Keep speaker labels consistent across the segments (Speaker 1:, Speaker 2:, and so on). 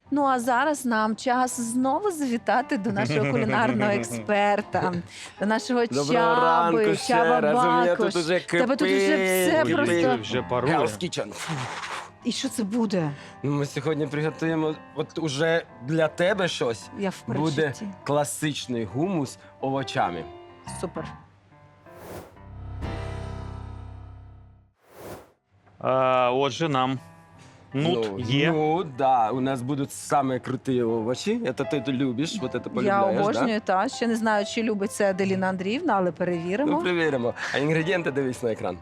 Speaker 1: Ну а зараз нам час знову завітати до нашого кулінарного експерта, до нашого
Speaker 2: Доброго ранку
Speaker 1: Чаби,
Speaker 2: ще
Speaker 1: Чаба
Speaker 2: раз. У мене
Speaker 1: Бакуш.
Speaker 2: тут уже
Speaker 1: Тебе тут уже все
Speaker 2: кипить.
Speaker 1: просто.
Speaker 3: Вже парує.
Speaker 2: Hell's Kitchen.
Speaker 1: І що це буде?
Speaker 2: Ну, ми сьогодні приготуємо от уже для тебе щось.
Speaker 1: Я в
Speaker 2: Буде
Speaker 1: перечутті.
Speaker 2: класичний гумус овочами.
Speaker 1: Супер.
Speaker 3: Отже, нам нут є.
Speaker 2: Ну, да, у нас будуть самі круті овочі. Це ти любиш, от це
Speaker 1: Я
Speaker 2: полюбляєш,
Speaker 1: обожнюю, та ще не знаю, чи любить це Аделіна Андріївна, але
Speaker 2: Да?
Speaker 1: перевіримо.
Speaker 2: Ну, перевіримо. А інгредієнти дивись на екран.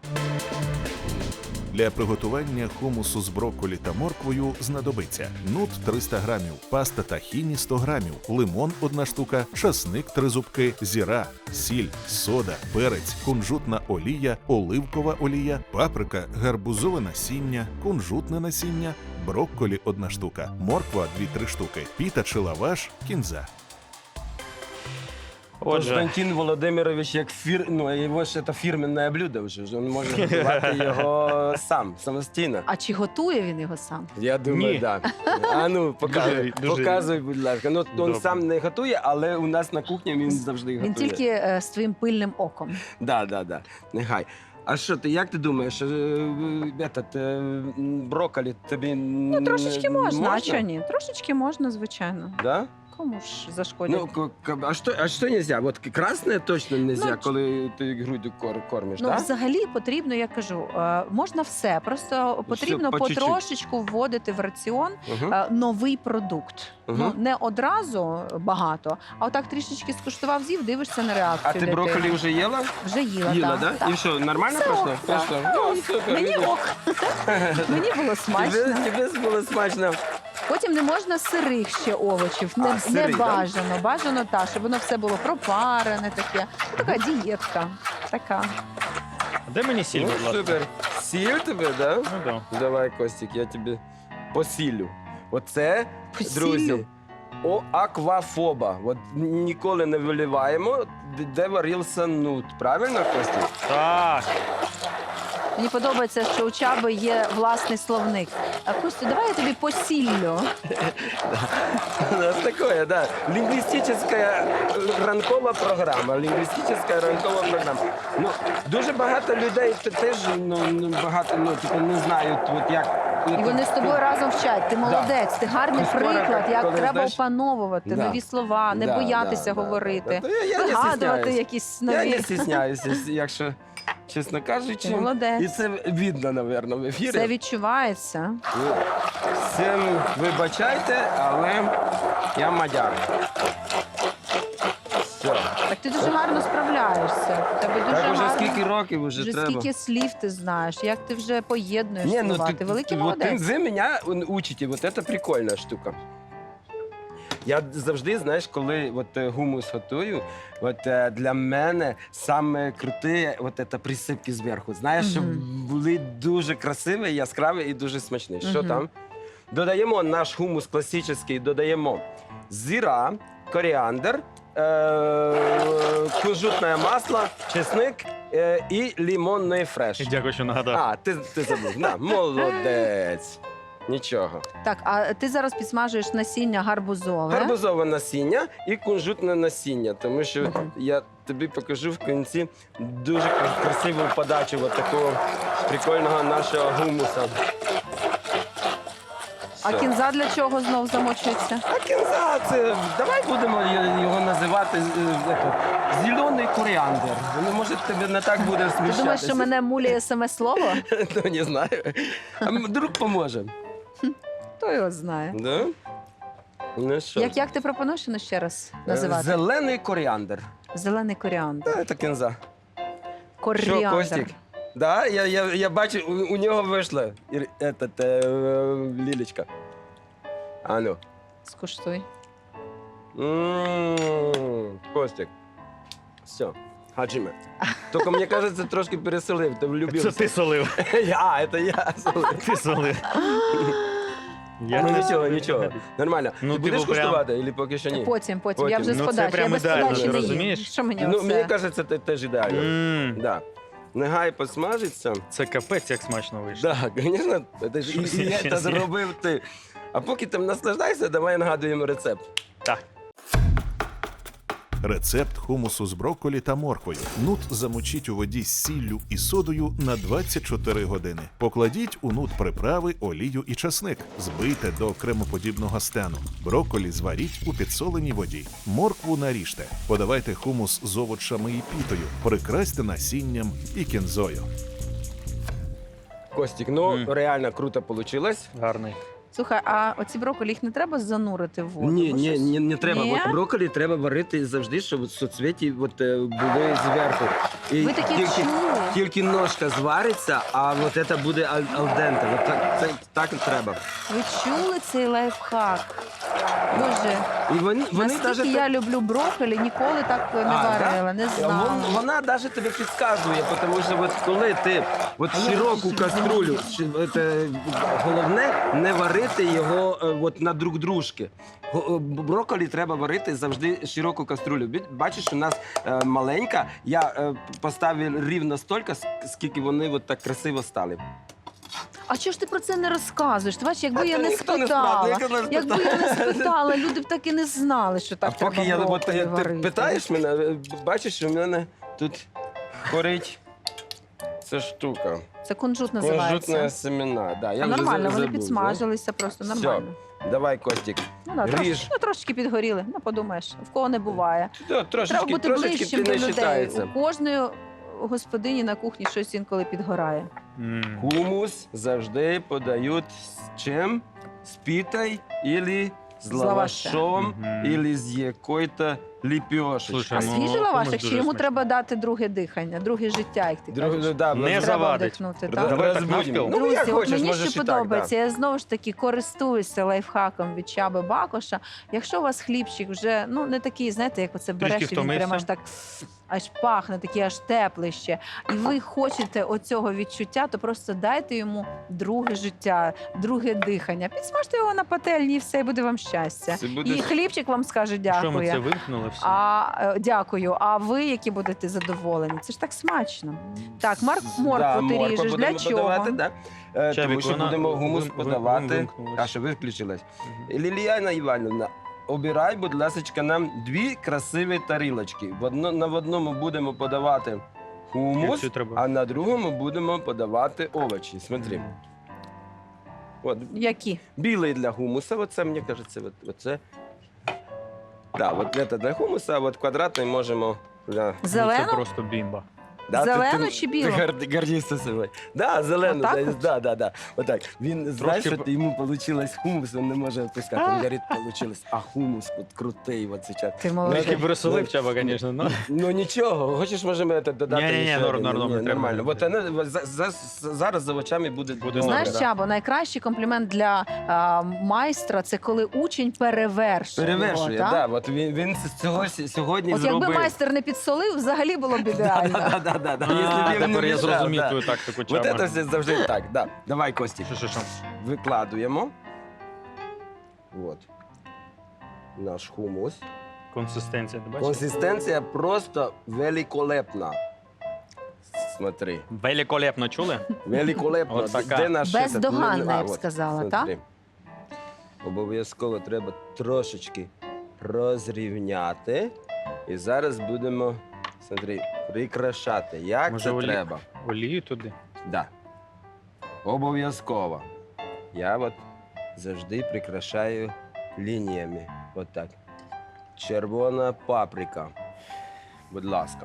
Speaker 4: Для приготування хумусу з брокколі та морквою знадобиться нут 300 грамів, паста тахіні 100 грамів, лимон 1 штука, часник 3 зубки, зіра, сіль, сода, перець, кунжутна олія, оливкова олія, паприка, гарбузове насіння, кунжутне насіння, брокколі 1 штука, морква 2-3 штуки, піта чи лаваш, кінза.
Speaker 3: Отже,
Speaker 2: Константин Володимирович, як його ж це фірменне блюдо вже. Він може готувати його сам, самостійно.
Speaker 1: А чи готує він його сам?
Speaker 2: Я думаю,
Speaker 3: Ні.
Speaker 2: так. Да. А ну, показуй,
Speaker 3: Дуже-
Speaker 2: показуй, будь ласка. Ну, він
Speaker 3: Добре.
Speaker 2: сам не готує, але у нас на кухні він завжди готує.
Speaker 1: Він тільки з твоїм пильним оком.
Speaker 2: Да. Нехай. А що ти, як ти думаєш, брокколі тобі
Speaker 1: Ну, трошечки можна, а чого ні? Трошечки можна, звичайно.
Speaker 2: Да?
Speaker 1: Кому ж зашкодять?
Speaker 2: Ну, а що нельзя? Вот красне точно нельзя,
Speaker 1: Ну,
Speaker 2: коли ти грудю кормиш,
Speaker 1: Ну,
Speaker 2: да?
Speaker 1: взагалі потрібно, я кажу, можна все. Просто потрібно
Speaker 2: по чуть-чуть.
Speaker 1: потрошечку вводити в раціон
Speaker 2: Угу.
Speaker 1: новий продукт.
Speaker 2: Мгм.
Speaker 1: Ну, не одразу багато, а отак трішечки скуштував, з'їв, дивишся на реакцію.
Speaker 2: А ти
Speaker 1: дитини.
Speaker 2: брокколі вже їла?
Speaker 1: Вже їла,
Speaker 2: Їла,
Speaker 1: так.
Speaker 2: да? І що, нормально
Speaker 1: Все
Speaker 2: пройшло?
Speaker 1: ок, так.
Speaker 2: Пройшло? Ну, супер.
Speaker 1: Мені
Speaker 2: видиш.
Speaker 1: ок, мені було смачно.
Speaker 2: Тебе було смачно.
Speaker 1: Потім не можна сирих ще овочів.
Speaker 2: А,
Speaker 1: Не
Speaker 2: сирих, да?
Speaker 1: бажано. Бажано так, щоб воно все було пропарене таке. Ну, така дієтка. Така.
Speaker 3: де мені сіль,
Speaker 2: Ну,
Speaker 3: будь ласка?
Speaker 2: супер. Сіль тебе, да?
Speaker 3: Ну, да.
Speaker 2: Давай, Костік, я тобі посілю. Оце,
Speaker 1: Посіллю?
Speaker 2: друзі, аквафоба. От ніколи не виливаємо, де варився нут. Правильно, Костік?
Speaker 3: Так,
Speaker 1: Мені подобається, що у Чаби є власний словник. А Костю, давай я тобі посіллю.
Speaker 2: У нас такое, да. Лінгвістична ранкова програма. Лінгвістична ранкова програма. Ну, дуже багато людей теж багато не знають, от як.
Speaker 1: І вони з тобою разом вчать. Ти молодець, ти гарний
Speaker 2: Ну, скоро,
Speaker 1: приклад, як
Speaker 2: коли
Speaker 1: треба
Speaker 2: знаєш-
Speaker 1: опановувати
Speaker 2: Да.
Speaker 1: нові слова, не
Speaker 2: Да,
Speaker 1: боятися
Speaker 2: да.
Speaker 1: говорити,
Speaker 2: Та я не
Speaker 1: вигадувати
Speaker 2: стісняюсь.
Speaker 1: якісь
Speaker 2: Я
Speaker 1: нові.
Speaker 2: не стісняюся, якщо чесно кажучи.
Speaker 1: Ти молодець.
Speaker 2: І це видно, напевно, в ефірі.
Speaker 1: Це відчувається.
Speaker 2: Ну, всім вибачайте, але я мадяр. Все.
Speaker 1: Так ти дуже гарно справляєшся. У тебе дуже
Speaker 2: Так уже
Speaker 1: гарно.
Speaker 2: скільки років вже
Speaker 1: Вже
Speaker 2: треба.
Speaker 1: скільки слів ти знаєш, як ти вже поєднуєш
Speaker 2: Не, ну
Speaker 1: слова. Ти великий
Speaker 2: вот
Speaker 1: молодець.
Speaker 2: ви мене учите, вот это прикольна штука. Я завжди, знаєш, коли гумус готую, для мене саме круте це присипки зверху. Знаєш, щоб
Speaker 1: Мгм.
Speaker 2: були дуже красиві, яскраві і дуже смачні. Що
Speaker 1: Мгм.
Speaker 2: там? Додаємо наш гумус класичний, додаємо зіра, коріандр, кунжутне масло, чесник і лимонний фреш.
Speaker 3: дякую, що нагадав.
Speaker 2: А, ти забув. На, молодець. Нічого.
Speaker 1: Так, а ти зараз підсмажуєш насіння гарбузове.
Speaker 2: Гарбузове насіння і кунжутне насіння, тому що
Speaker 1: Мгм.
Speaker 2: я тобі покажу в кінці дуже красиву подачу такого прикольного нашого гумуса.
Speaker 1: А
Speaker 2: Все.
Speaker 1: кінза для чого знов замочується?
Speaker 2: А кінза, це давай будемо його називати зелений коріандр. Ну, може, тобі не так буде
Speaker 1: Ти
Speaker 2: сміщатися.
Speaker 1: думаєш, що мене муляє саме слово?
Speaker 2: Ну, не знаю. А вдруг поможе.
Speaker 1: Хто його знає?
Speaker 2: Да? Ну що?
Speaker 1: Як ти пропонуєш ну, ще раз називати?
Speaker 2: Зелений коріандр.
Speaker 1: Зелений коріандр.
Speaker 2: Це кінза.
Speaker 1: Коріандр.
Speaker 2: Що, Костік? Да, я бачу, у нього вийшла лілечка. А ну.
Speaker 1: Скуштуй.
Speaker 2: Костік. Все. Хаджиме. Тільки, мені кажеться, трошки переселив, ти влюбився.
Speaker 3: Це ти солив.
Speaker 2: Це я.
Speaker 3: Ти солив. Я
Speaker 2: Ну,
Speaker 3: не
Speaker 2: нічого, нічого. Нормально.
Speaker 3: Ну,
Speaker 2: Ти будеш
Speaker 3: типу, прям-
Speaker 2: куштувати, або поки що ні?
Speaker 1: Потім. Я
Speaker 2: Потім.
Speaker 1: вже з
Speaker 3: Ну, це
Speaker 1: подачі. Я
Speaker 3: прям
Speaker 1: без
Speaker 3: ідеально,
Speaker 1: подачі
Speaker 3: ти
Speaker 1: не їм.
Speaker 3: розумієш?
Speaker 1: Що мені
Speaker 2: Ну,
Speaker 1: оце?
Speaker 2: мені кажеться, це теж ідеально.
Speaker 3: М,
Speaker 2: Да. Нехай посмажиться.
Speaker 3: Це капець, як смачно вийшло.
Speaker 2: Так, звісно, це ж
Speaker 3: Щось
Speaker 2: і
Speaker 3: я
Speaker 2: це
Speaker 3: щас-
Speaker 2: зробив ти. А поки там наслаждайся, давай нагадуємо рецепт.
Speaker 3: Так.
Speaker 4: Рецепт хумусу з брокколі та морквою. Нут замочіть у воді з сіллю і содою на 24 години. Покладіть у нут приправи, олію і часник. Збийте до кремоподібного стану. Брокколі зваріть у підсоленій воді. Моркву наріжте. Подавайте хумус з овочами і пітою. Прикрасьте насінням і кінзою.
Speaker 2: Костік, ну реально круто вийшло.
Speaker 3: Гарний.
Speaker 1: Слухай, а оці брокколі їх не треба занурити в воду?
Speaker 2: Ні,
Speaker 1: Бо
Speaker 2: ні,
Speaker 1: щось-
Speaker 2: ні, не треба.
Speaker 1: Ні?
Speaker 2: От брокколі треба варити завжди, щоб соцвіті були зверху. І
Speaker 1: Ви такі чули?
Speaker 2: тільки ножка звариться, а от це буде алденте. От так і треба.
Speaker 1: Ви чули цей лайфхак? Боже,
Speaker 2: І вони
Speaker 1: наскільки
Speaker 2: навіть
Speaker 1: я люблю брокколі, ніколи так не
Speaker 2: А,
Speaker 1: варила, не знала.
Speaker 2: Вона навіть тобі підказує, тому що от коли ти от широку каструлю, головне не варити його от на друг дружки. Брокколі треба варити завжди широку каструлю. Бачиш, у нас маленька, я поставив рівно стільки, скільки вони от так красиво стали.
Speaker 1: А чого ж ти про це не розказуєш? Ти бачиш, якби
Speaker 2: А
Speaker 1: я
Speaker 2: то
Speaker 1: не
Speaker 2: ніхто не
Speaker 1: спитала,
Speaker 2: спрашує, ніхто не
Speaker 1: якби я не спитала, люди б так і не знали, що так
Speaker 2: А поки
Speaker 1: треба брокколі
Speaker 2: ти
Speaker 1: варити.
Speaker 2: питаєш мене, бачиш, що в мене тут горить ця штука.
Speaker 1: Це кунжут
Speaker 2: Кунжутне
Speaker 1: називається.
Speaker 2: семена. Да, я
Speaker 1: А
Speaker 2: вже
Speaker 1: нормально, вони
Speaker 2: забув,
Speaker 1: підсмажилися просто
Speaker 2: Все.
Speaker 1: нормально.
Speaker 2: Давай, Костік.
Speaker 1: Ну, да,
Speaker 2: Ріж.
Speaker 1: трошки підгоріли, ну подумаєш, в кого не буває.
Speaker 2: Да,
Speaker 1: Треба бути
Speaker 2: трошечки
Speaker 1: ближчим
Speaker 2: ти
Speaker 1: до
Speaker 2: не
Speaker 1: людей.
Speaker 2: вважається.
Speaker 1: У кожної господині на кухні щось інколи підгорає.
Speaker 2: Хумус завжди подають з чим? З пітою або з
Speaker 1: З лавашем.
Speaker 2: лавашом,
Speaker 3: Мгм.
Speaker 2: або з якою-то ліпешечкою.
Speaker 3: Слушай,
Speaker 1: А
Speaker 3: ну,
Speaker 1: свіжий
Speaker 3: комусь
Speaker 1: лавашик, чи
Speaker 3: дуже
Speaker 1: йому
Speaker 3: смачно.
Speaker 1: треба дати друге дихання, друге життя, як ти кажеш?
Speaker 2: Да,
Speaker 3: Не
Speaker 1: Треба
Speaker 3: завадить.
Speaker 1: вдихнути,
Speaker 2: Да,
Speaker 1: так?
Speaker 3: Давай так
Speaker 2: розбудимо.
Speaker 3: навпіл.
Speaker 2: Ну,
Speaker 1: Друзі,
Speaker 2: як
Speaker 1: от
Speaker 2: хочеш,
Speaker 1: мені
Speaker 2: можеш
Speaker 1: що
Speaker 2: і так,
Speaker 1: подобається, я знову ж таки користуюся лайфхаком від Чаби Бакоша. Якщо у вас хлібчик вже не такий, знаєте, як оце береш, і він
Speaker 3: втомився.
Speaker 1: прямо аж так аж пахне, такий аж теплий ще. І ви хочете оцього відчуття, то просто дайте йому друге життя, друге дихання. Підсмажте його на пательні і все, і буде вам щастя.
Speaker 2: Це буде-
Speaker 1: І хлібчик вам скаже
Speaker 3: Що ми це
Speaker 1: дякую.
Speaker 3: вимкнули всі?
Speaker 1: Дякую. А ви, які будете задоволені? Це ж так смачно. Так, моркву ти
Speaker 2: морква
Speaker 1: ріжеш. Для
Speaker 2: будемо
Speaker 1: чого?
Speaker 2: подавати, да. Тому
Speaker 3: Чабік,
Speaker 2: що
Speaker 3: вона
Speaker 2: будемо гумус подавати.
Speaker 3: вимкнулась.
Speaker 2: А що виключилась? Ліліяна Іванівна, обирай, будь ласка, нам 2 красиві тарілочки. На одному будемо подавати хумус,
Speaker 3: Цю треба.
Speaker 2: а на другому будемо подавати овочі. Смотри. От,
Speaker 1: Які?
Speaker 2: білий для гумуса, оце, мені кажеться, оце. Так, от це для гумуса, а от квадратний можемо для...
Speaker 3: Ну,
Speaker 1: Зелену?
Speaker 3: Це просто бімба.
Speaker 1: Зелену чи білу?
Speaker 2: Ти гордишся собою. Да, зелену.
Speaker 1: Отак от?
Speaker 2: Да. Отак. Він, знаєш,
Speaker 3: Трошки
Speaker 2: що йому вийшло хумус, він не може опускати. Він говорить, вийшло. А хумус от крутий от зараз.
Speaker 1: Ти молодець.
Speaker 3: Трохи пересолив Чаба, звісно. Ну.
Speaker 2: Ну нічого, хочеш, можемо це додати?
Speaker 3: Ні-ні-ні,
Speaker 2: ще один?
Speaker 3: нормально,
Speaker 2: Ні,
Speaker 3: треба.
Speaker 2: нормально. От вона зараз за очами буде добре,
Speaker 1: Знаєш,
Speaker 2: да.
Speaker 1: Чабо, найкращий комплімент для майстра це коли учень перевершує.
Speaker 2: Перевершує,
Speaker 1: його,
Speaker 2: да.
Speaker 1: так?
Speaker 2: От він цього сьогодні
Speaker 1: От
Speaker 2: зробив.
Speaker 1: якби майстер не підсолив, взагалі було б ідеально.
Speaker 2: Да.
Speaker 3: А,
Speaker 2: Якщо б він
Speaker 3: тепер
Speaker 2: не
Speaker 3: я
Speaker 2: мішав,
Speaker 3: зрозумів
Speaker 2: да.
Speaker 3: твою тактику
Speaker 2: От
Speaker 3: Чаба.
Speaker 2: це все завжди так, да. Давай, Костік.
Speaker 3: Що?
Speaker 2: Викладуємо. От. Наш хумус.
Speaker 3: Консистенція, ти бачиш?
Speaker 2: Консистенція просто великолепна. Смотри.
Speaker 3: Великолепно, чули?
Speaker 2: Великолепно.
Speaker 3: От така.
Speaker 2: Де наш
Speaker 1: Бездоганна,
Speaker 2: этот?
Speaker 1: я б сказала, так?
Speaker 2: смотри. Обов'язково треба трошечки розрівняти. І зараз будемо, смотри, прикрашати. Як
Speaker 3: Може,
Speaker 2: це
Speaker 3: олі-
Speaker 2: треба?
Speaker 3: Олію туди.
Speaker 2: Да. Обов'язково. Я от завжди прикрашаю лініями. От так. Червона паприка. Будь ласка.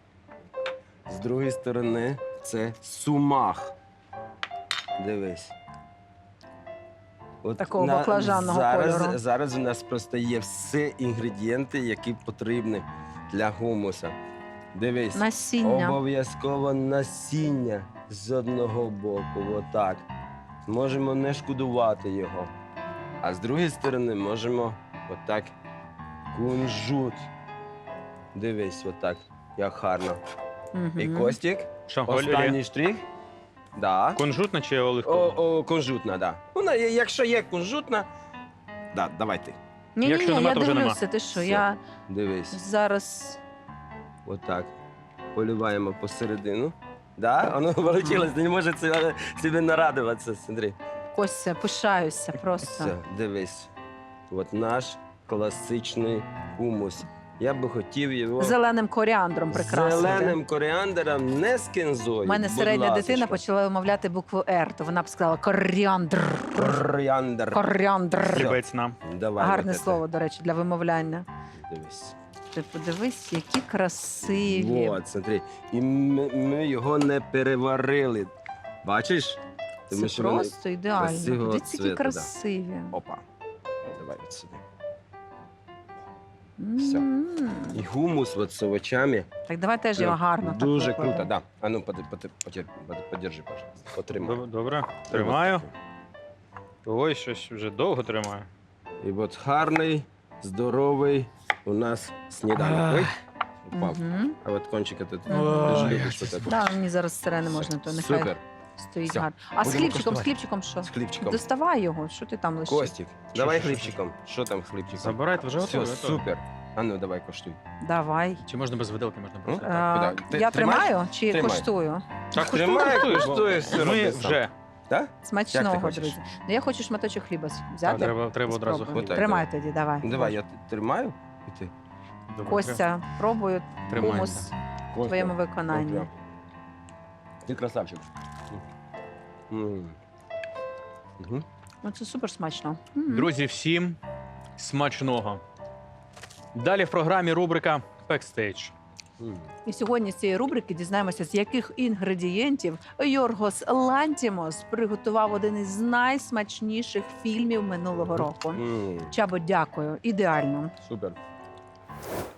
Speaker 2: З другої сторони це сумах. Дивись. От
Speaker 1: Такого баклажанного кольору.
Speaker 2: Зараз у нас просто є всі інгредієнти, які потрібні для гумуса. Дивись.
Speaker 1: Насіння.
Speaker 2: Обов'язково насіння з одного боку, отак. Можемо не шкодувати його. А з другої сторони можемо отак кунжут. Дивись, отак, як гарно.
Speaker 1: Мгм.
Speaker 2: І Костік,
Speaker 3: Що,
Speaker 2: останній
Speaker 3: олія?
Speaker 2: штрих. Да.
Speaker 3: Кунжутна чи оливкова?
Speaker 2: Кунжутна, да. Вона, якщо є кунжутна, да, давай ти.
Speaker 1: Ні,
Speaker 3: Якщо
Speaker 1: ні,
Speaker 3: нема,
Speaker 1: я
Speaker 3: то вже нема.
Speaker 1: дивлюся, ти що,
Speaker 2: Все.
Speaker 1: я
Speaker 2: Дивись.
Speaker 1: зараз...
Speaker 2: Отак. Поливаємо посередину. Да? Воно вийшло, не може собі нарадуватися, смотри.
Speaker 1: Костя, пишаюся просто.
Speaker 2: Все, дивись. От наш класичний хумус. Я би хотів його
Speaker 1: Зеленим коріандром прекрасно.
Speaker 2: зеленим коріандром, не з кінзою.
Speaker 1: У мене
Speaker 2: будь
Speaker 1: середня
Speaker 2: ласочка.
Speaker 1: дитина почала вимовляти букву «Р», то вона б сказала коріандр.
Speaker 2: Коріандр.
Speaker 1: Коріандр.
Speaker 3: Хлібець нам.
Speaker 2: Давай,
Speaker 1: Гарне
Speaker 2: от це.
Speaker 1: слово, до речі, для вимовляння.
Speaker 2: Дивись.
Speaker 1: Ти подивись, які красиві.
Speaker 2: От, смотри. І ми його не переварили. Бачиш? Тому
Speaker 1: Це
Speaker 2: що вони
Speaker 1: просто ідеально.
Speaker 2: красивого
Speaker 1: Подивіться, які
Speaker 2: цвіту, да.
Speaker 1: красиві.
Speaker 2: Опа. Давай от сюди.
Speaker 1: М.
Speaker 2: І гумус от з овочами.
Speaker 1: Так давай теж його гарно. так
Speaker 2: Дуже
Speaker 1: викладемо.
Speaker 2: круто, да. А ну, подержи, пожалуйста. Потримай.
Speaker 3: Добре. Тримаю.
Speaker 2: От.
Speaker 3: Ой, щось вже довго тримаю.
Speaker 2: І от гарний, здоровий у нас сніданок. Ой, упав.
Speaker 1: Мгм.
Speaker 2: А от кончик этот, ти
Speaker 3: Ой,
Speaker 2: ж
Speaker 3: як
Speaker 2: любиш
Speaker 3: це
Speaker 2: вот это.
Speaker 1: Да, мені зараз сире не можна, то нехай
Speaker 2: Супер.
Speaker 1: стоїть
Speaker 2: Все.
Speaker 1: гарно. А з
Speaker 2: Будемо
Speaker 1: хлібчиком,
Speaker 2: коштувати.
Speaker 1: що?
Speaker 2: З хлібчиком.
Speaker 1: Доставай його, що ти там лишив?
Speaker 2: Костік, давай
Speaker 3: що?
Speaker 2: хлібчиком. Що там з хлібчиком?
Speaker 3: Забирайте, вже
Speaker 2: Все,
Speaker 3: готові.
Speaker 2: супер. А ну, давай коштуй.
Speaker 1: Давай.
Speaker 3: Чи можна без виделки, можна просто
Speaker 2: Ну,
Speaker 3: так?
Speaker 2: куди? Ти
Speaker 1: Я
Speaker 2: тримаєш?
Speaker 1: тримаю чи
Speaker 2: Тримай.
Speaker 1: коштую?
Speaker 3: Так,
Speaker 2: Тримай, коштуй, все
Speaker 3: Ми
Speaker 2: роби сам.
Speaker 3: вже.
Speaker 2: Так? Як
Speaker 1: Смачного,
Speaker 2: ти хочеш?
Speaker 1: друзі. Ну я хочу шматочок хліба взяти.
Speaker 3: Треба одразу
Speaker 1: Спробуй.
Speaker 3: хліб.
Speaker 2: Отак,
Speaker 1: Тримай тоді, давай.
Speaker 2: Давай, я тримаю. І ти.
Speaker 3: Добре,
Speaker 1: Костя, пробую
Speaker 3: Тримай,
Speaker 1: хумус
Speaker 3: да.
Speaker 1: в
Speaker 2: Костя,
Speaker 1: твоєму виконанні.
Speaker 2: Костя. Ти красавчик. М. Мгм.
Speaker 1: Ну це супер смачно. М.
Speaker 3: Друзі, всім смачного. Далі в програмі рубрика «Бекстейдж».
Speaker 2: М.
Speaker 1: І сьогодні з цієї рубрики дізнаємося, з яких інгредієнтів Йоргос Лантімос приготував один із найсмачніших фільмів минулого року.
Speaker 2: М.
Speaker 1: Чабо, дякую. Ідеально.
Speaker 2: Супер.